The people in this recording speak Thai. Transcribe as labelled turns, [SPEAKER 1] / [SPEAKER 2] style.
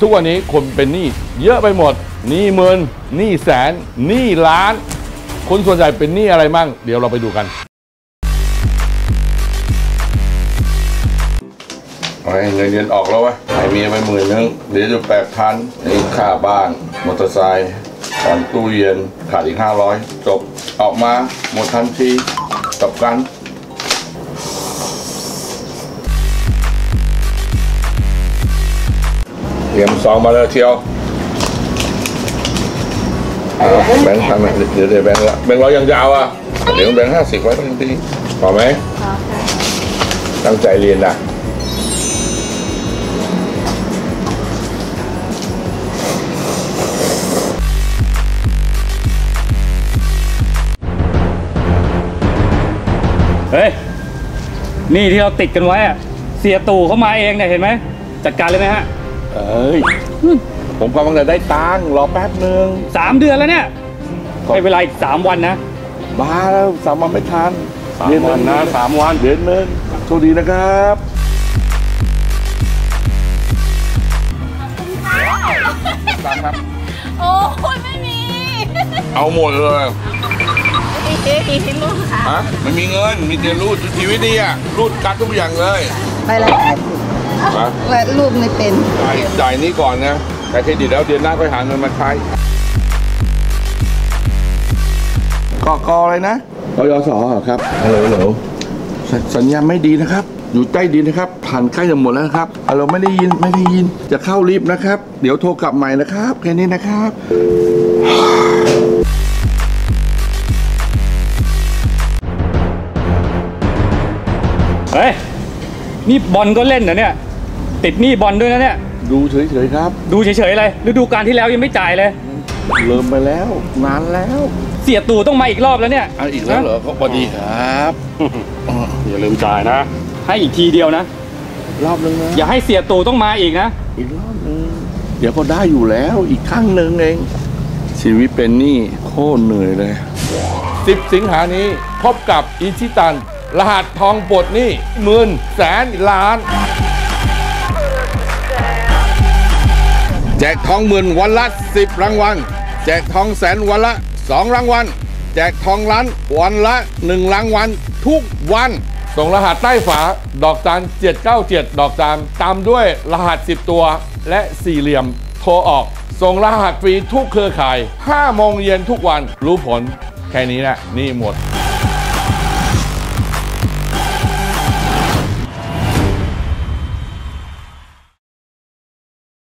[SPEAKER 1] ทุกวันนี้คนเป็นหนี้เยอะไปหมดหนี้หมื่นหนี้แสนหนี้ล้านคนส่วนใหญ่เป็นหนี้อะไรมั่งเดี๋ยวเราไปดูกันเงินเดือนออกแล้ววะให้เมียไป10,000เดี๋ยวจะ8,000นี่ค่าบ้านมอเตอร์ไซค์ผ่อนตู้เย็นขาดอีก500จบออกมาหมดทันทีกับกันเตรียมซองมาเลยเชียวแบงค์พันเดี๋ยวแบงค์ละแบงค์ร้อยยังยาวอ่ะเดี๋ยวแบงค์50ไว้ทันทีพอไหมพอค่ะตั้งใจเรียนนะ
[SPEAKER 2] เฮ้ยนี่ที่เราติดกันไว้อะเสียตู่เขามาเองเนี่ยเห็นไหมจัดการเลยไหมฮะ
[SPEAKER 1] เอ้ยผมกำลังจะได้ตังค์รอแป๊บนึง
[SPEAKER 2] 3 เดือนแล้วเนี่ยให้เวลาอีก3 วันนะ
[SPEAKER 1] บ้าแล้ว3 วันไม่ทัน
[SPEAKER 2] 3 วันนะ3 วัน
[SPEAKER 1] เดือนนึงโชคดีนะครับครับ
[SPEAKER 3] โอ้ยไม่มี
[SPEAKER 1] เอาหมดเลย
[SPEAKER 3] มีลูกค่ะ
[SPEAKER 1] ฮะไม่มีเงินมีแต่รูดชีวิตดีอะรูดกัดทุกอย่างเลย
[SPEAKER 3] ไปละ80รูดไม่เป็น
[SPEAKER 1] จ่ายนี้ก่อนนะแต่เครดิตแล้วเดือนหน้าค่อยหาเงินมาใช้กอะไรนะกยศครับฮัลโหลสัญญาณไม่ดีนะครับอยู่ใต้ดินนะครับผ่านใกล้จะหมดแล้วครับเราไม่ได้ยินจะเข้าลิฟต์นะครับเดี๋ยวโทรกลับใหม่นะครับแค่นี้นะครับ
[SPEAKER 2] เฮ้ยนี่บอลก็เล่นเหรอเนี่ยติดหนี้บอลด้วยนะเนี่ย
[SPEAKER 1] ดูเฉยๆครับ
[SPEAKER 2] ดูเฉยๆอะไรฤดูกาลที่แล้วยังไม่จ่ายเลย
[SPEAKER 1] เริ่มไปแล้วนานแล้ว
[SPEAKER 2] เสียตู่ต้องมาอีกรอบแล้วเนี่ย
[SPEAKER 1] อีกแล้วเหรอก็พอดีครับ
[SPEAKER 2] อย่าลืมจ่ายนะให้อีกทีเดียวนะ
[SPEAKER 1] รอบนึงนะ
[SPEAKER 2] อย่าให้เสียตู่ต้องมาอีกนะ
[SPEAKER 1] อีกรอบนึงเดี๋ยวก็ได้อยู่แล้วอีกครั้งหนึ่งเองชีวิตเป็นหนี้โคตรเหนื่อยเลย10 สิงหานี้พบกับอิชิตันรหัสทองปลดหนี้หมื่นแสนล้านแจกทองหมื่นวันละ10 รางวัลแจกทองแสนวันละ2 รางวัลแจกทองล้านวันละ1 รางวัลทุกวันส่งรหัสใต้ฝาดอกจัน797ดอกจันตามด้วยรหัส10 ตัวและ4 เหลี่ยมโทรออกส่งรหัสฟรีทุกเครือข่าย5 โมงเย็นทุกวันรู้ผลแค่นี้แหละนี่หมด